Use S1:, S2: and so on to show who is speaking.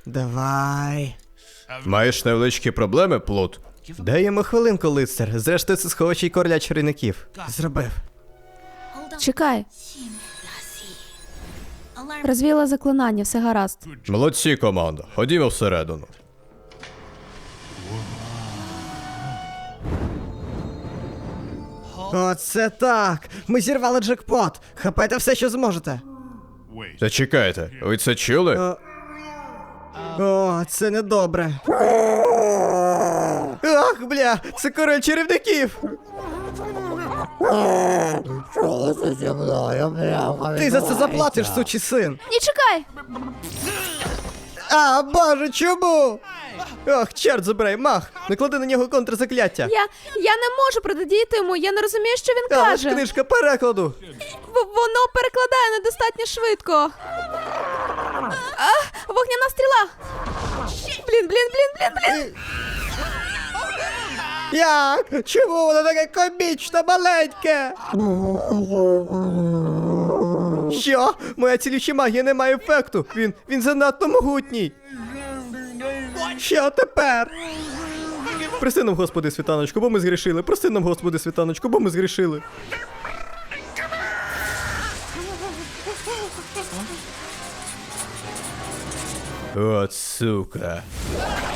S1: Давай.
S2: Маєш невеличкі проблеми, Плут?
S1: Дай йому хвилинку, лицар. Зрештою, це сховачий короля чарівників. Зробив.
S3: Чекай. Розвіяла заклинання, все гаразд.
S2: Молодці, команда. Ходімо всередину.
S1: Оце так! Ми зірвали джекпот! Хапайте все, що зможете!
S2: Зачекайте, ви це чули?
S1: О, це недобре. Ах, бля, це король чарівників! Ти за це заплатиш, сучий син!
S3: Ні, чекай!
S1: А, боже, чому? Ох, чорт забирай, мах! Наклади на нього контрзакляття!
S3: Я не можу протидіяти йому, я не розумію, що він
S1: Але ж
S3: каже.
S1: книжка перекладу!
S3: Воно перекладає недостатньо швидко. Вогняна стріла! Блін.
S1: Як? Чому воно таке комічно маленьке? Що? Моя цілюща магія не має ефекту. Він занадто могутній. Що тепер? Прости нам, Господи, світаночку, бо ми згрішили. Прости нам, Господи, світаночку, бо ми згрішили.
S2: От сука.